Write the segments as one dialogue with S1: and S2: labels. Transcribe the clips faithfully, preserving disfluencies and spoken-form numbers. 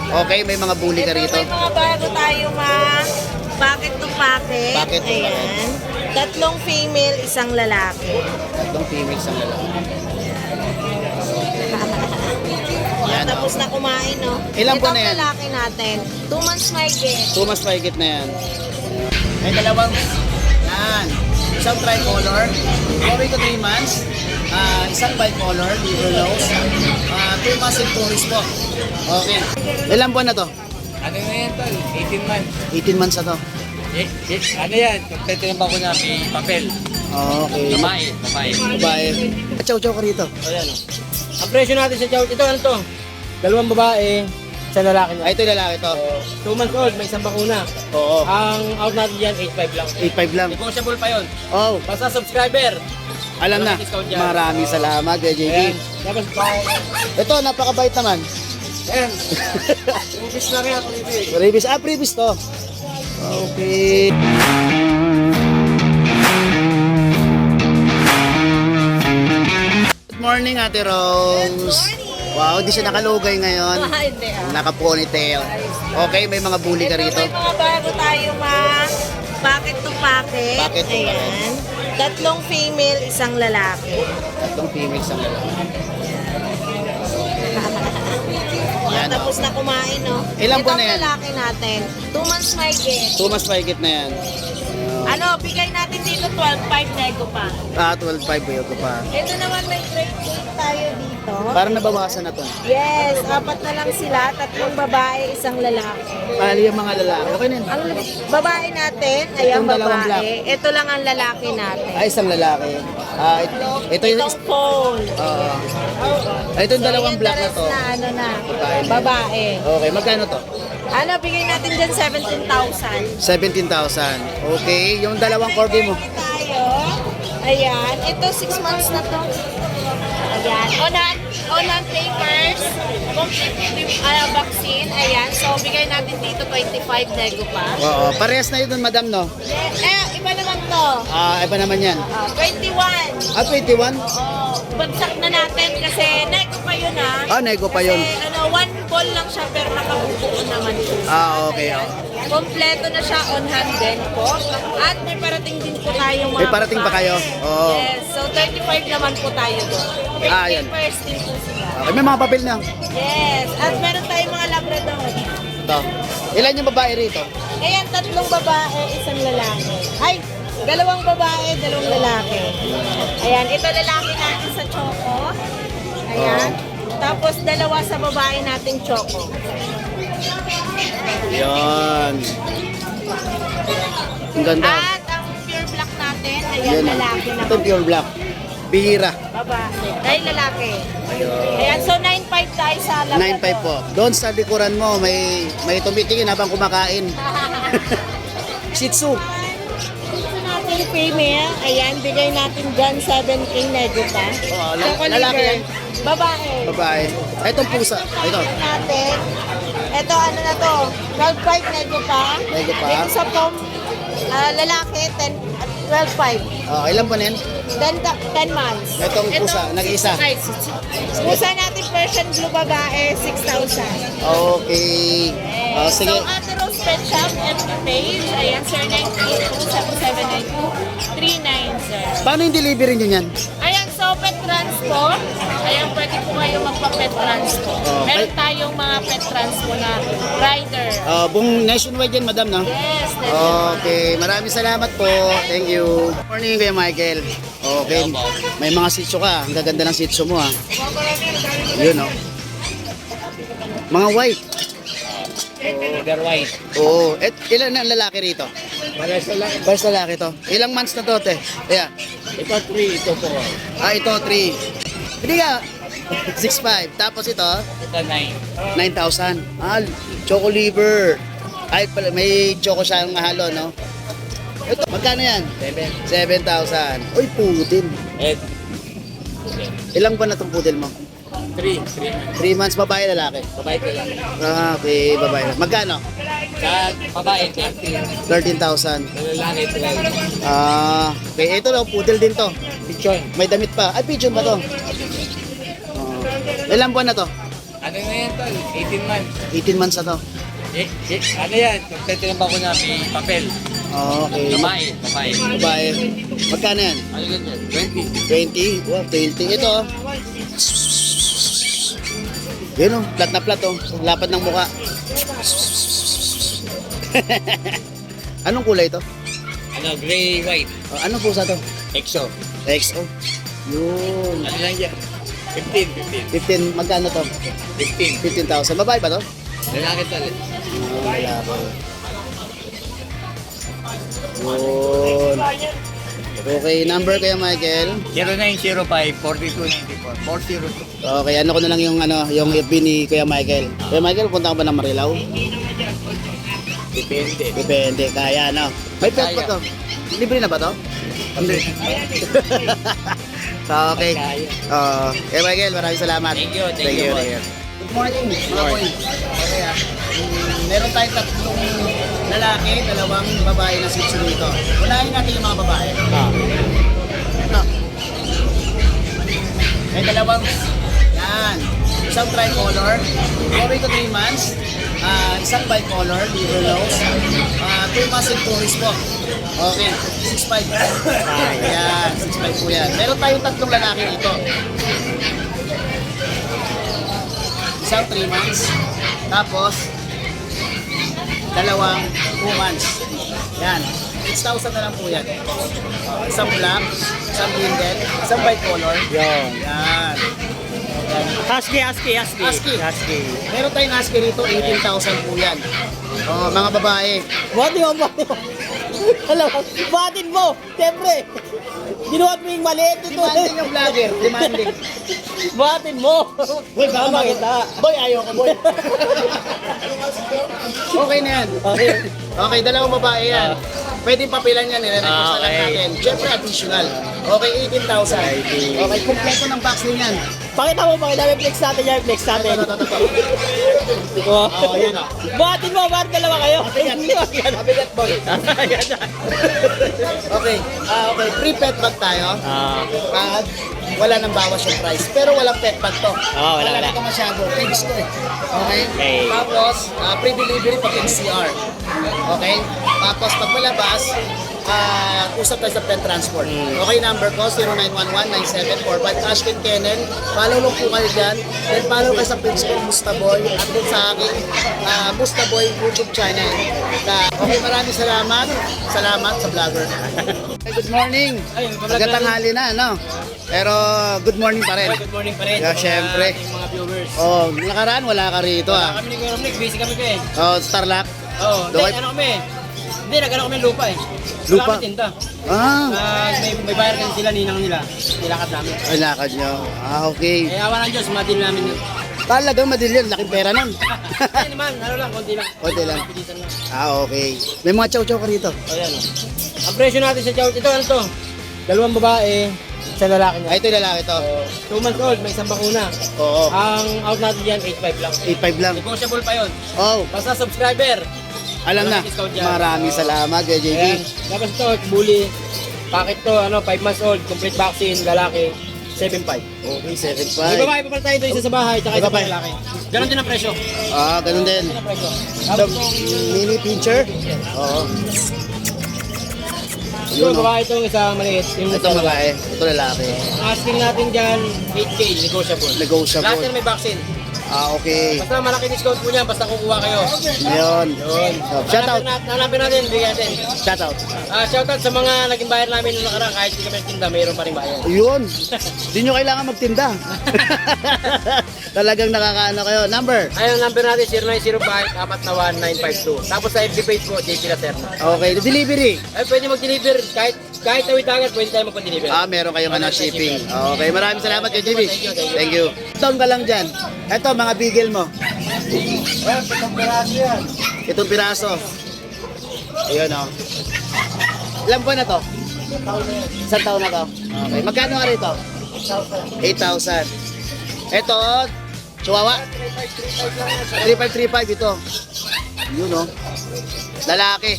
S1: Okay, may mga bully ka
S2: Ito,
S1: rito.
S2: may mga bago tayo ma packet to packet.
S1: Packet to packet.
S2: Ayan. Tatlong female, isang lalaki.
S1: Tatlong female sa lalaki. Yan,
S2: Tapos
S1: oh.
S2: na kumain, no?
S1: Ilang buwan na yan?
S2: Itong lalaki natin, two months may get.
S1: Two mas mahigit na yan. May dalawang, yan. Isang tricolor, going to three months. Ah, isang bicolor, liver lows. Ah, two months and two weeks po. Okay. Ilang buwan na to?
S3: Ano na yan, tol? eighteen months.
S1: eighteen months na to.
S3: Eh, eh, ano yan? Pagtitinan ba ko na may papel?
S1: Okay.
S3: Babae, babae.
S1: Babae. Chow-chow ka rito.
S3: O yan, o. Ang presyo natin sa chow, ito ano to? Dalawang babae, isang lalaki na.
S1: Ay, ito yung lalaki to.
S3: two months old, may isang bakuna.
S1: Oo.
S3: Ang out natin dyan, eight five lang.
S1: eight five lang.
S3: Negotiable pa yun.
S1: Oh,
S3: Basta subscriber.
S1: alam na.
S3: Discount yan.
S1: Maraming salamat, Kuya J B.
S3: Ayan. Tapos,
S1: Ito, napakabait naman.
S3: ayan. Ubis na rin ako, baby.
S1: Previous, ah, previous to. Okay. Good morning, Ate Rose.
S2: Good morning.
S1: Wow, di siya nakalugay ngayon.
S2: Ah, hindi ah.
S1: Naka-ponytail. Okay, may mga bully ka
S2: Ito,
S1: rito.
S2: may mga bago tayo ma packet to packet.
S1: Packet to packet.
S2: Ayan. Tatlong female, isang lalaki.
S1: Tatlong female sa lalaki. Yan,
S2: Tapos na kumain, no?
S1: Ilang buwan na yan?
S2: Itong lalaki natin, two months may get.
S1: Two mas mahigit na yan.
S2: Ano, bigay natin dito twelve five nego pa.
S1: Ah, twelve five ba ko pa.
S2: Ito naman may grade eight tayo dito.
S1: Parang nabawasan na to.
S2: Yes, apat na lang sila, tatlong babae, isang lalaki.
S1: Pali yung mga lalaki. Okay na yun.
S2: Ang babae natin, ayan
S1: Itong dalawang black.
S2: babae. Ito lang ang lalaki natin.
S1: Ay, isang lalaki. Ah, ito, ito yung...
S2: Itong phone.
S1: Oo. Ay, ito yung dalawang black na to.
S2: Na ano na,
S1: Babae na.
S2: babae.
S1: Okay, magkano to?
S2: Ano, bigay natin dyan seventeen thousand.
S1: seventeen thousand. Okay, yung dalawang corgi mo.
S2: Tayo. Ayan, ito six months na to. Ayan, on on on on papers, complete uh, vaccine. Ayan, so bigay natin dito twenty-five nego pa.
S1: Oo, parehas na yun, madam, no?
S2: Eh, eh, iba naman to.
S1: Ah, iba naman yan.
S2: Ah, twenty-one.
S1: Ah, twenty-one?
S2: Oo, bagsak na natin kasi nego pa yun ah.
S1: Ah, nego pa yun.
S2: Kasi ano, one ball lang siya pero nakabubuo naman siya.
S1: Ah, okay.
S2: Ayan. Kompleto na siya on hand din po. At may parating din po tayong mga
S1: May parating pa kayo?
S2: babae.
S1: Oo.
S2: Yes, so thirty-five naman po tayo doon.
S1: Ah, yan.
S2: Papers din po sila.
S1: Okay, may mga papel na.
S2: Yes, at meron tayong mga labrador.
S1: Ito. Ilan yung babae rito?
S2: Ayan, tatlong babae, isang lalaki. Ay, dalawang babae, dalawang lalaki. Ayan, ito lalaki natin sa choco. Ayan. Tapos dalawa sa babae nating choco.
S1: Yan. Ang ganda.
S2: At ang pure black natin, ayan,
S1: Yan.
S2: lalaki na.
S1: Ito pure black. Bihira.
S2: Babae. Dahil lalaki.
S1: Ayun.
S2: Ayan, so nine five tayo sa labrador.
S1: nine five po. Doon sa likuran mo, may may tumitingin habang kumakain. Shih Tzu.
S2: Ito natin female, ayan, bigay natin dyan seven K nego pa.
S1: Oo, la-
S2: Choco
S1: lalaki
S2: liver.
S1: yan?
S2: Babae.
S1: Babae. Ay, itong pusa. Ay, ito.
S2: Natin. Ito, ano na to? twelve five nego pa.
S1: Nego pa.
S2: Dito sa pom, ah, lalaki, ten, twelve five.
S1: Oh, ilan po na yan?
S2: ten, ten months.
S1: Itong pusa, nag-iisa.
S2: Ay, pusa natin Persian blue babae, six thousand.
S1: Okay. Oh, sige.
S2: So, Ate Rose Pet Shop, F B page, ayan, sir, nine eight two, seven seven nine two, three nine, sir.
S1: Paano yung delivery nyo yan?
S2: Ayan, so pet transpo. Ayan, pwede po kayo magpa-pet transpo.
S1: Oh,
S2: Meron
S1: ay-
S2: tayong mga pet transpo na rider.
S1: Uh, buong nationwide yan, madam, no?
S2: Yes, that's
S1: Okay, maraming salamat po. Thank you. Morning, Kuya Michael. Okay, may mga sitso ka. Ang gaganda ng sitso mo, ha. Yun, no? Mga white.
S3: Order white.
S1: Oo. Et, ilan na ang lalaki rito?
S3: Para sa lang.
S1: First lalaki to. Ilang months na to, te? Ayan.
S3: Ito three, ito four.
S1: Ah, ito, three. Hindi ka. six five. Tapos ito,
S3: Ito nine.
S1: nine thousand. Ah, choco liver. Ay, pala, may choco siyang mahalo, no? Ito, magkano yan?
S3: Seven.
S1: seven thousand. Uy, pudel.
S3: Eight.
S1: Ilang ba na itong pudel mo?
S3: Three. Three.
S1: three months, babae, lalaki?
S3: Babae ko lang.
S1: Ah, okay, babae. Magkano?
S3: Sa babae, thirteen.
S1: thirteen thousand.
S3: Sa lalaki, twelve.
S1: Ah, okay. Ito daw, pudel din to.
S3: Pichon.
S1: May damit pa. Ay, pigeon ba to? Oh. Ilang buwan na to?
S3: Ano ano na yan tol? eighteen months.
S1: eighteen months na to.
S3: Eh, eh, ano yan? Kompleto ng bako na may papel.
S1: Okay.
S3: Babae, babae.
S1: Babae. Magkano yan?
S3: Ano ganyan? twenty.
S1: twenty? Wow, twenty. Ito. oh. Yan o, plat na plat o. Lapad ng muka. Anong kulay ito?
S3: Ano, gray, white.
S1: Oh, anong pusa to?
S3: Exo.
S1: X O. Yun.
S3: Ano lang yan? fifteen, fifteen.
S1: fifteen, magkano to?
S3: fifteen.
S1: fifteen thousand. Babae ba to?
S3: Lalaki tol.
S1: Oh, wala po. Yun. Okay, number kayo Michael.
S3: zero nine zero five, four two nine four, four zero two.
S1: Okay, ano ko na lang yung ano, yung F B ni Kuya Michael. Kuya Michael, punta ka ba ng Marilao?
S3: Depende.
S1: Depende, kaya ano. May pet ba to? Libre na ba to? Hindi. So, okay. Uh, Kuya Michael, maraming salamat.
S3: Thank you, thank you, boy.
S1: Good morning, mga boy. Okay ah. Mm, meron tayong tatlong lalaki, dalawang babae na sitso dito. Unahin natin yung mga babae.
S3: Ah.
S1: Ito. May dalawang, yan. Isang tricolor, four to three months. Ah, isang bicolor, liver lows. Ah, two months in tourist po. Okay, six five. Ayan, six five po yan. Meron tayong tatlong lalaki dito. Isang three months. Tapos, dalawang two months. Yan. six thousand na lang po yan. Uh, isang black, isang brindle, isang bicolor.
S3: Yan.
S1: Yan. Yan.
S3: Husky, husky, husky.
S1: Husky.
S3: Husky.
S1: Meron tayong husky rito, eighteen thousand po yan. Oh, mga babae.
S4: Batin mo, batin mo. Alam mo, batin mo. Siyempre, ginawa mo yung maliit ito.
S1: Demanding yung vlogger, demanding.
S4: Batin mo.
S1: Boy, baka
S4: Tama
S1: makita.
S4: kita.
S1: Boy, ayaw ko, boy. Okay na yan.
S4: Okay.
S1: Okay, dalawang babae yan. Pwedeng papilan yan, nire-request na lang
S3: Okay.
S1: natin. Siyempre, additional. Okay, eighteen thousand. Okay, kumpleto ng box din yan.
S4: Pakita mo, pakita mo, flex natin yan, flex natin.
S1: Ito, ito, ito, ito.
S4: Oh.
S1: Oh, yan o.
S4: Batin mo, batin dalawa kayo.
S1: Mabigat, boy. Okay, ah, okay, free pet bag tayo.
S3: Ah.
S1: At wala nang bawas yung price. Pero walang pet bag to.
S3: Oh, wala, wala.
S1: Ito masyado. Pigs to eh. Okay?
S3: Okay.
S1: Tapos, ah, free delivery pag N C R. Okay? Tapos, pag malabas, ah, usap tayo sa pet transport. Okay, number ko, zero nine one one nine seven four five. Ashkin Kennel. Follow lang po kayo dyan. Then follow kayo sa page ko, Mustaboy. At din sa aking ah, Mustaboy YouTube channel. Na, okay, maraming salamat. Salamat sa vlogger. Hey, good morning.
S3: Ay,
S1: Magkatanghali na, no? Pero good morning pa rin.
S3: Good morning pa rin.
S1: Yeah,
S3: sa mga
S1: syempre.
S3: ating mga viewers.
S1: Oh, nakaraan wala ka rito ah.
S3: Kami ni Kuya Romnick, busy kami pa eh.
S1: Oh, Starlock.
S3: Oo, hindi,
S1: Daway-
S3: ano kami. Hindi, nagano kami ng lupa eh.
S1: Lupa?
S3: Wala kami tinta.
S1: Ah,
S3: Ah, may, may bayar kasi sila, ninang nila. Nilakad namin.
S1: ay lakad nyo. Ah, okay.
S3: Eh, awa ng Diyos, madil namin yun.
S1: Talagang madali yun, laking pera nun.
S3: Hindi naman, ano lang, konti lang.
S1: Konti lang.
S3: Pilitan lang.
S1: Ah, okay. May mga chow-chow ka rito.
S3: O yan o. Ang presyo natin sa chow, ito ano to? Dalawang babae, isang lalaki
S1: Ay,
S3: niya.
S1: ito yung lalaki to.
S3: Two months old, may isang bakuna.
S1: Oo.
S3: Ang out natin dyan, eight five lang.
S1: eight five lang.
S3: Negotiable pa yun.
S1: Oh,
S3: Basta subscriber.
S1: alam na.
S3: Walang discount yan.
S1: Maraming salamat, Kuya J B.
S3: Ayan. Tapos ito, bully. Packet to, ano, five months old, complete vaccine, lalaki, seven five.
S1: Okay, seven
S3: May
S1: five.
S3: babae pa pala tayo ito, isa sa bahay, tsaka
S1: May
S3: isa pa
S1: babae.
S3: lalaki. Ganon din ang presyo.
S1: Ah, ganun din.
S3: Ganon ang presyo.
S1: The
S3: Tapos itong,
S1: mini pincher. Oo.
S3: ito,
S1: Yun, oh.
S3: babae itong isa maliit. Yung
S1: Ito babae, ito lalaki.
S3: Ang asking natin dyan, eight K, negotiable.
S1: Negotiable.
S3: Lahat yan may vaccine.
S1: Ah, okay.
S3: Basta malaki discount po niyan, basta kukuha kayo.
S1: Yun.
S3: Yun.
S1: Oh, shout out.
S3: Hanapin natin, hanapin natin, bigyan natin.
S1: Shout out.
S3: Ah, shoutout sa mga naging bayar namin nung nakaraan, kahit hindi kami tinda, mayroon pa rin bayar.
S1: Yun. Hindi nyo kailangan magtinda. Talagang nakakaano kayo. Number.
S3: Ayun, number natin, zero nine zero five, four na one nine five two. Tapos sa F B page ko, J P Lacerna.
S1: Okay. Delivery.
S3: Ay, pwede mag-deliver, kahit kahit tawid agad, pwede tayo magpa-deliver.
S1: Ah, meron kayong ano, shipping. Okay. Maraming salamat kay J B.
S3: Thank you, thank you.
S1: Thank you. Taon ka lang dyan. Ito, mga bigel mo. Itong piraso. Ayun, oh. Ilan buwan na to? Isang taon na to. Okay. Magkano nga rito? eight thousand. Ito, Chihuahua. three five three five ito. Yun, oh. Lalaki.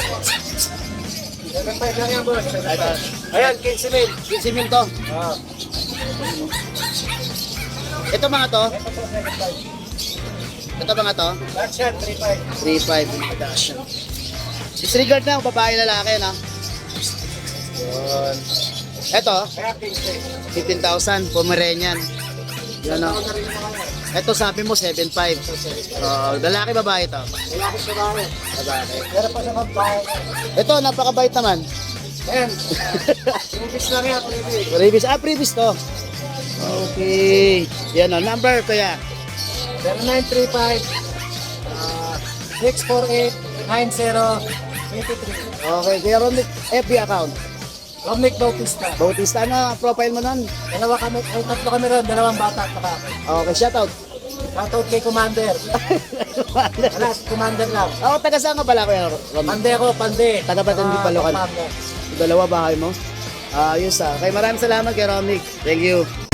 S3: Ayan, quince mil.
S1: fifteen mil to. Ito mga to? Ito mga to?
S4: Dachshund, three five.
S1: three five Dachshund. Disregard na yung babae lalaki, no? Yun. Ito,
S4: Kaya fifteen.
S1: fifteen thousand, Pomeranian. Yan, no? Ito sabi mo, seven five. Oh, lalaki, babae ito.
S4: Lalaki siya ba?
S1: Babae.
S4: Meron pa sa kabahay.
S1: Ito, napakabait naman.
S4: Ayan. Previous lang yan, previous.
S1: Previous, ah, previous to. Okay. Yan, no? Number, kuya.
S4: zero nine three five six four eight nine zero two three.
S1: Okay, kuya Romnick, F B account.
S4: Romnick Bautista.
S1: Bautista, ano profile mo nun?
S4: Dalawa kami, ay tatlo kami ron, dalawang bata at saka ako.
S1: Okay, shoutout.
S4: Shoutout kay Commander. Wala, si Commander lang.
S1: Ako, taga saan ka pala, kuya Romnick?
S4: Pande ako, pande.
S1: Taga Batang
S4: Ah,
S1: Palocan.
S4: Commander.
S1: Dalawa bahay mo? Ayos ah. Okay, maraming salamat kay Romnick. Thank you.